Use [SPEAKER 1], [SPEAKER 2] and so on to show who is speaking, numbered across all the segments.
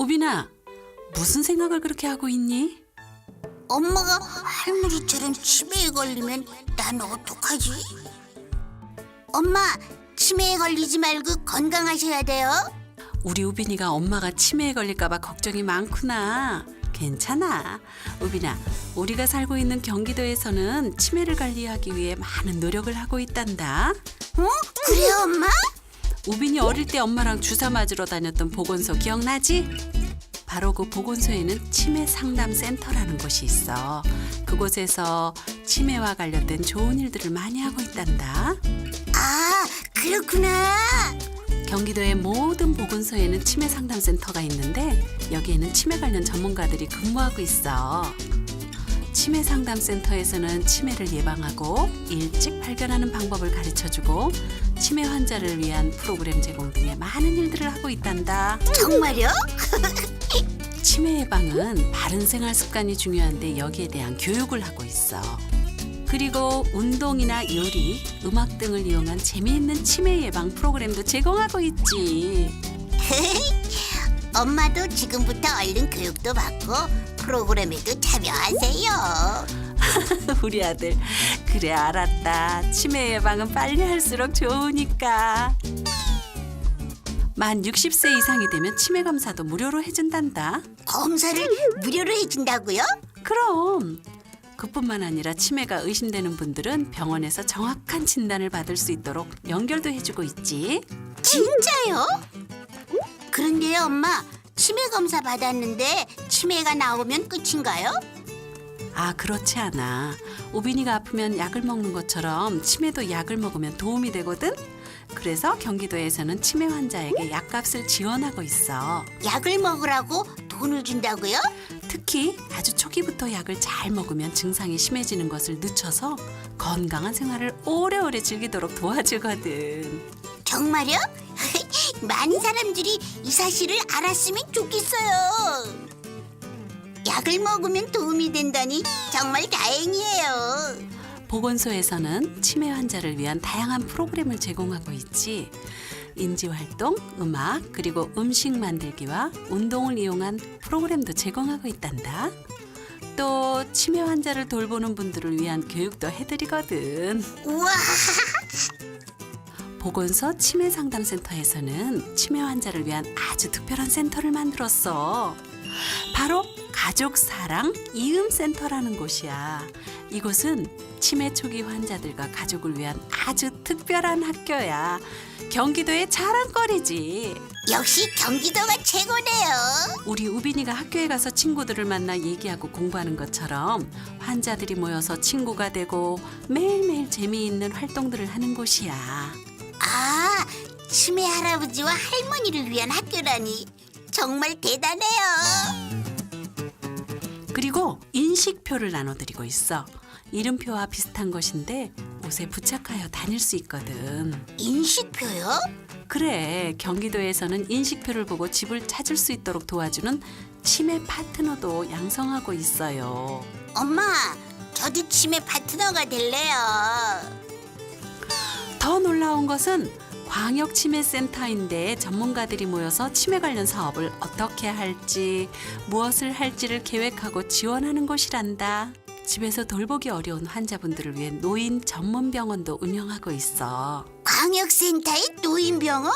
[SPEAKER 1] 우빈아, 무슨 생각을 그렇게 하고 있니?
[SPEAKER 2] 엄마가 할머니처럼 치매에 걸리면 난 어떡하지? 엄마, 치매에 걸리지 말고 건강하셔야 돼요.
[SPEAKER 1] 우리 우빈이가 엄마가 치매에 걸릴까 봐 걱정이 많구나. 괜찮아. 우빈아, 우리가 살고 있는 경기도에서는 치매를 관리하기 위해 많은 노력을 하고 있단다.
[SPEAKER 2] 어? 그래요, 엄마?
[SPEAKER 1] 우빈이 어릴 때 엄마랑 주사 맞으러 다녔던 보건소 기억나지? 바로 그 보건소에는 치매 상담 센터라는 곳이 있어. 그곳에서 치매와 관련된 좋은 일들을 많이 하고 있단다.
[SPEAKER 2] 아, 그렇구나.
[SPEAKER 1] 경기도의 모든 보건소에는 치매 상담 센터가 있는데 여기에는 치매 관련 전문가들이 근무하고 있어. 치매 상담 센터에서는 치매를 예방하고 일찍 발견하는 방법을 가르쳐주고 치매 환자를 위한 프로그램 제공 등의 많은 일들을 하고 있단다.
[SPEAKER 2] 정말요?
[SPEAKER 1] 치매 예방은 바른 생활 습관이 중요한데 여기에 대한 교육을 하고 있어. 그리고 운동이나 요리, 음악 등을 이용한 재미있는 치매 예방 프로그램도 제공하고 있지.
[SPEAKER 2] 엄마도 지금부터 얼른 교육도 받고 프로그램에도 참여하세요.
[SPEAKER 1] 우리 아들, 그래 알았다. 치매 예방은 빨리 할수록 좋으니까. 만 60세 이상이 되면 치매 검사도 무료로 해준단다.
[SPEAKER 2] 검사를 무료로 해준다고요?
[SPEAKER 1] 그럼 그뿐만 아니라 치매가 의심되는 분들은 병원에서 정확한 진단을 받을 수 있도록 연결도 해주고 있지.
[SPEAKER 2] 진짜요? 그런데요, 엄마, 치매 검사 받았는데 치매가 나오면 끝인가요?
[SPEAKER 1] 아, 그렇지 않아. 우빈이가 아프면 약을 먹는 것처럼 치매도 약을 먹으면 도움이 되거든. 그래서 경기도에서는 치매 환자에게 약값을 지원하고 있어.
[SPEAKER 2] 약을 먹으라고 돈을 준다고요?
[SPEAKER 1] 특히 아주 초기부터 약을 잘 먹으면 증상이 심해지는 것을 늦춰서 건강한 생활을 오래오래 즐기도록 도와주거든.
[SPEAKER 2] 정말요? 많은 사람들이 이 사실을 알았으면 좋겠어요. 약을 먹으면 도움이 된다니 정말 다행이에요.
[SPEAKER 1] 보건소에서는 치매 환자를 위한 다양한 프로그램을 제공하고 있지. 인지활동, 음악, 그리고 음식 만들기와 운동을 이용한 프로그램도 제공하고 있단다. 또 치매 환자를 돌보는 분들을 위한 교육도 해드리거든.
[SPEAKER 2] 우와!
[SPEAKER 1] 보건소 치매 상담센터에서는 치매 환자를 위한 아주 특별한 센터를 만들었어. 바로 가족사랑 이음센터라는 곳이야. 이곳은 치매 초기 환자들과 가족을 위한 아주 특별한 학교야. 경기도의 자랑거리지.
[SPEAKER 2] 역시 경기도가 최고네요.
[SPEAKER 1] 우리 우빈이가 학교에 가서 친구들을 만나 얘기하고 공부하는 것처럼 환자들이 모여서 친구가 되고 매일매일 재미있는 활동들을 하는 곳이야.
[SPEAKER 2] 아, 치매 할아버지와 할머니를 위한 학교라니 정말 대단해요.
[SPEAKER 1] 그리고 인식표를 나눠드리고 있어. 이름표와 비슷한 것인데 옷에 부착하여 다닐 수 있거든.
[SPEAKER 2] 인식표요?
[SPEAKER 1] 그래, 경기도에서는 인식표를 보고 집을 찾을 수 있도록 도와주는 치매 파트너도 양성하고 있어요.
[SPEAKER 2] 엄마, 저도 치매 파트너가 될래요.
[SPEAKER 1] 더 놀라운 것은 광역치매센터인데 전문가들이 모여서 치매 관련 사업을 어떻게 할지, 무엇을 할지를 계획하고 지원하는 곳이란다. 집에서 돌보기 어려운 환자분들을 위해 노인 전문 병원도 운영하고 있어.
[SPEAKER 2] 광역센터의 노인병원?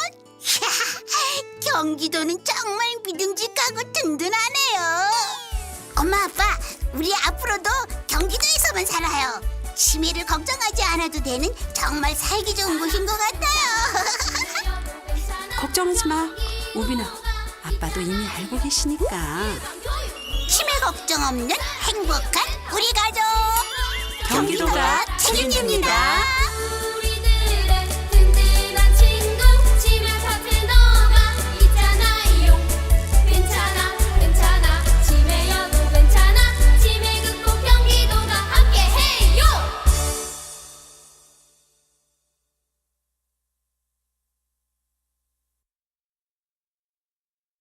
[SPEAKER 2] 경기도는 정말 믿음직하고 든든하네요. 엄마, 아빠, 우리 앞으로도 경기도에서만 살아요. 치매를 걱정하지 않아도 되는 정말 살기 좋은 곳인 것 같아요.
[SPEAKER 1] 걱정하지 마. 우빈아, 아빠도 이미 알고 계시니까.
[SPEAKER 2] 치매 걱정 없는 행복한 우리 가족.
[SPEAKER 1] 경기도가 책임집니다.